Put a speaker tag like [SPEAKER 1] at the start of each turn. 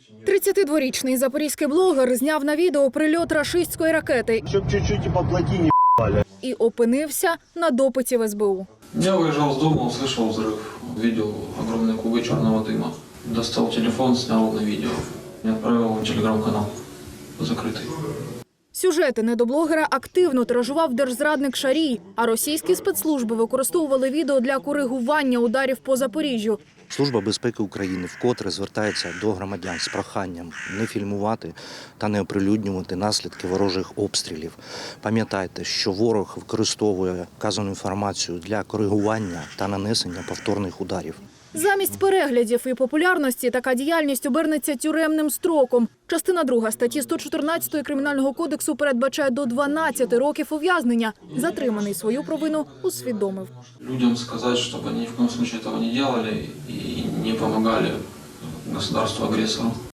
[SPEAKER 1] 32-річний запорізький блогер зняв на відео прильот рашистської ракети
[SPEAKER 2] Щоб чуть-чуть по плотині
[SPEAKER 1] і опинився на допиті в СБУ.
[SPEAKER 3] Я выезжал с дома, услышал взрыв, видел огромные клубы черного дыма. Достал телефон, снял на видео и отправил в телеграм-канал закрытый.
[SPEAKER 1] Сюжети недоблогера активно тиражував держзрадник Шарій, а російські спецслужби використовували відео для коригування ударів по Запоріжжю.
[SPEAKER 4] Служба безпеки України вкотре звертається до громадян з проханням не фільмувати та не оприлюднювати наслідки ворожих обстрілів. Пам'ятайте, що ворог використовує вказану інформацію для коригування та нанесення повторних ударів.
[SPEAKER 1] Замість переглядів і популярності така діяльність обернеться тюремним строком. Частина 2 статті 114 Кримінального кодексу передбачає до 12 років ув'язнення. Затриманий свою провину усвідомив.
[SPEAKER 3] Людям сказать, чтобы они ни в коем случае этого не делали и не помогали государству-агрессору.